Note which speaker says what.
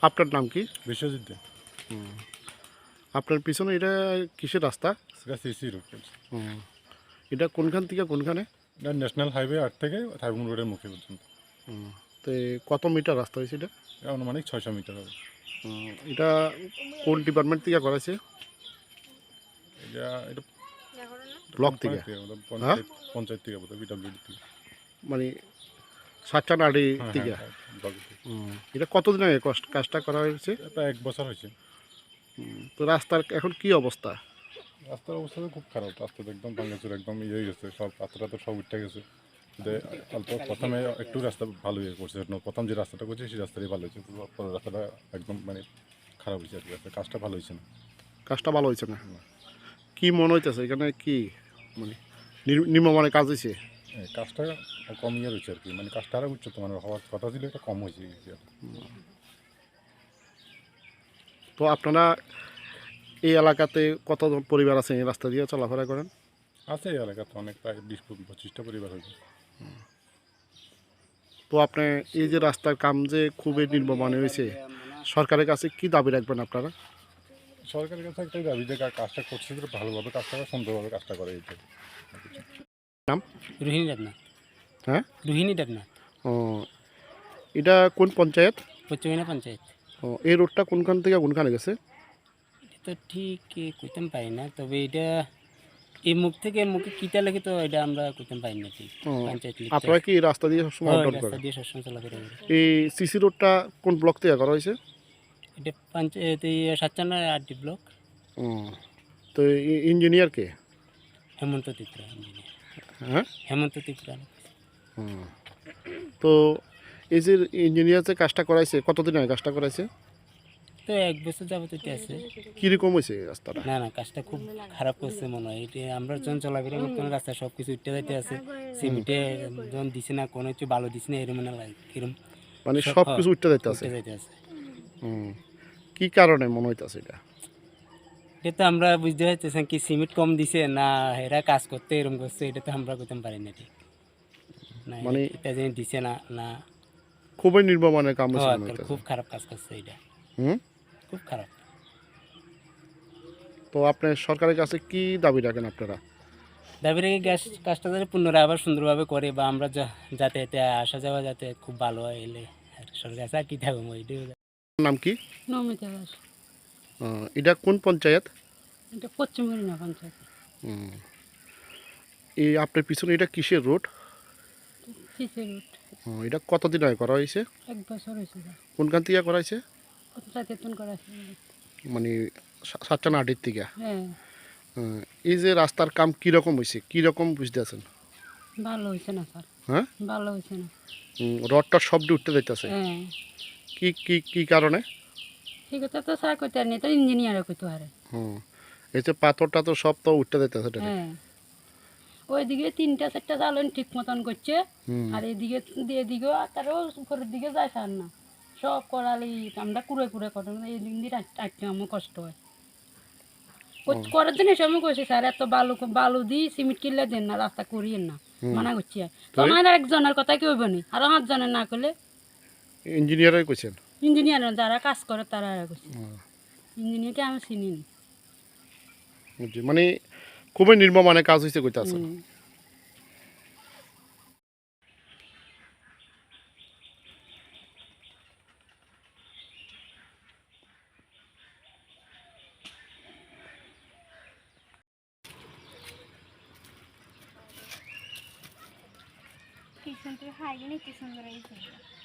Speaker 1: আপনার নাম কি?
Speaker 2: বিশ্বজিৎ দে।
Speaker 1: আপনার পিছনে এটা কিসের রাস্তা?
Speaker 2: সেটা সিসি রোড।
Speaker 1: এটা কোনখান থেকে কোনখানে?
Speaker 2: এটা ন্যাশনাল হাইওয়ে 8 থেকে থাইবুং রোডের মুখে পর্যন্ত।
Speaker 1: তো কত মিটার রাস্তা হয়েছে এটা?
Speaker 2: এটা আনুমানিক 600 মিটার হবে।
Speaker 1: এটা কোন ডিপার্টমেন্ট থেকে করাইছে?
Speaker 2: এটা
Speaker 1: ব্লক থেকে?
Speaker 2: পঞ্চায়েত থেকে বোধহয় বিডব্লিউডি থেকে।
Speaker 1: মানে সাতটানাড়ি থেকে? এটা কতদিন আগে কাজটা করা হয়েছে?
Speaker 2: প্রায় 1 বছর হয়েছে।
Speaker 1: তো রাস্তার এখন কি অবস্থা?
Speaker 2: রাস্তার অবস্থা তো খুব খারাপ। রাস্তা তো একদম ভাঙাচুর, একদম ইয়ে হয়ে গেছে, সব পাথরটা তো সব উঠে গেছে। অল্প প্রথমে একটু রাস্তা ভালো ইয়ে করছে, প্রথম যে রাস্তাটা করছে সেই রাস্তাটাই ভালো হয়েছে। পরের রাস্তাটা একদম মানে খারাপ হয়েছে আর কি। কাজটা ভালো হয়েছে না।
Speaker 1: কাজটা ভালো হয়েছে না? কি মনে হইতেছে এখানে কি মানে নিম্নমানের কাজ হয়েছে?
Speaker 2: কাজটা কম ইয়ে রয়েছে আর কি, মানে কাজটা আরও উচ্চত মানের হওয়ার কথা ছিল, এটা কম হয়েছে।
Speaker 1: তো আপনারা এই এলাকাতে কতজন পরিবার আছে এই রাস্তা দিয়ে চলাফেরা করেন?
Speaker 2: আছে এই এলাকাতে অনেক, প্রায় 20-25টা পরিবার হয়েছে।
Speaker 1: তো আপনি এই যে রাস্তার কাম যে খুবই নিম্নমানের হয়েছে, সরকারের কাছে কি দাবি রাখবেন আপনারা?
Speaker 2: সরকারের কাছে একটাই দাবি যে কাজটা করছে ভালোভাবে কাজটা করে, সুন্দরভাবে কাজটা করে। এইটা
Speaker 1: নাম?
Speaker 3: রোহিণী দেবনাথ।
Speaker 1: হ্যাঁ,
Speaker 3: রোহিণী দেবনাথ।
Speaker 1: ও, এটা কোন পঞ্চায়েত?
Speaker 3: পশ্চিমিনা পঞ্চায়েত।
Speaker 1: ও, এই রোডটা কোনখান থেকে কোনখানে গেছে?
Speaker 3: এটা তো ঠিক কইতাম পারি না, তবে এটা এই মুখ থেকে মুখে কিতা লাগে তো এটা আমরা কইতাম পারি না ঠিক। পঞ্চায়েত
Speaker 1: আপনারা কি এই রাস্তা দিয়ে সবসময় আপ ডাউন
Speaker 3: রাস্তা
Speaker 1: করেন?
Speaker 3: দিয়ে সবসময় চলাফেরা করি।
Speaker 1: এই সিসি রোডটা কোন ব্লক থেকে করা হয়েছে?
Speaker 3: এটা পঞ্চায়েত সাতচান্না আরডি ব্লক।
Speaker 1: ও, তো ইঞ্জিনিয়ার কে?
Speaker 3: হেমন্ত ত্রিপুরা ইঞ্জিনিয়ার।
Speaker 1: হ্যাঁ,
Speaker 3: হেমন্ত ত্রিপুরা।
Speaker 1: তো এই যে ইঞ্জিনিয়ার যে কাজটা করাইছে, কতদিন আগে কাজটা করাইছে?
Speaker 3: তো 1 বছর যাবত এটা আছে।
Speaker 1: কীরকম হয়েছে রাস্তাটা?
Speaker 3: না না, কাজটা খুব খারাপ করছে মনে হয়। এটা আমরা যখন চলাফেরা করতাম রাস্তা সব কিছু উঠতে যাইতে আছে, সিমেন্টে যখন দিছে না, কোনো কিছু ভালো দিছে না, এরম না লাগে এরম
Speaker 1: মানে সব কিছু উঠতে যাইতে আছে?
Speaker 3: উঠতে যাইতে আছে।
Speaker 1: কি কারণে মনে হইতাছে এটা?
Speaker 3: এটা তো আমরা বুঝতে পারতেছি কি সিমেন্ট কম দিছে না এরা কাজ করতে এরকম করছে, এটা তো আমরা করতে পারি না ঠিক না।
Speaker 1: মানে
Speaker 3: এটা যে দিছে না না
Speaker 1: খুবই নির্মমানের কাম হয়েছে মনে হইতাছে।
Speaker 3: খুব খারাপ কাজ করছে এটা, খুব খারাপ।
Speaker 1: তো আপনি সরকারের কাছে কি দাবি রাখেন আপনারা?
Speaker 3: দাবি রেখে কাজটা যাতে পুনরায় আবার সুন্দরভাবে করে, বা আমরা যাতায়াতে আসা যাওয়া যাতে খুব ভালো হয়, এলে আর সরকার কাছে আর কি থাকবো।
Speaker 1: নাম কি?
Speaker 4: নমিতা দাস।
Speaker 1: এটা কোন পঞ্চায়েত?
Speaker 4: এটা পশ্চিম হরিণা পঞ্চায়েত।
Speaker 1: এই আপনার পিছনে এটা কিসের রোড?
Speaker 4: CC road.
Speaker 1: এটা কতদিন আগে করা হয়েছে?
Speaker 4: 1 বছর হয়েছে।
Speaker 1: কোনখান থেকে করাইছে?
Speaker 4: সচেতন করা আছে।
Speaker 1: মানে সাতটানাড়ির থেকে?
Speaker 4: হ্যাঁ,
Speaker 1: এই যে রাস্তার কাম কীরকম হয়েছে, কীরকম বুঝতে আছেন?
Speaker 4: ভালো হয়েছে না স্যার।
Speaker 1: হ্যাঁ,
Speaker 4: ভালো হয়েছে না।
Speaker 1: রডটা শব্দে উঠতে যাইতেছে?
Speaker 4: হ্যাঁ,
Speaker 1: কি কি কি কারণে?
Speaker 4: ঠিক আছে তো স্যার কইতে আর নেই, তো ইঞ্জিনিয়ারে কইতে পারে।
Speaker 1: এই যে পাথরটা তো সব তো উঠতে যাইতেছে।
Speaker 4: হ্যাঁ, ওইদিকে 3টা-4টা জ্বালন ঠিক মতন করছে, আর এদিকেও তারও উপরের দিকে যায় স্যার না, সব করালি আমরা কুড়ে কুড়ে করেন, এই দিন দিয়ে আটকে আমার কষ্ট হয়। করার জন্য এসব কইছে স্যার, এত বালু দিই সিমেন্ট কিনলে দেন না, রাস্তা করিয়েন না, মানা করছি। তো আমার একজনের কথা কি হইব নি, আরো 5 জনের না করলে?
Speaker 1: ইঞ্জিনিয়ারই কইছেন?
Speaker 4: ইঞ্জিনিয়ার যারা কাজ করে তারা কইছে, ইঞ্জিনিয়ারকে আমি চিনি নি।
Speaker 1: মানে খুবই নির্মমানের কাজ হয়েছে কইতাছে।
Speaker 5: কি সুন্দর হাইজিনিক, কি সুন্দর এই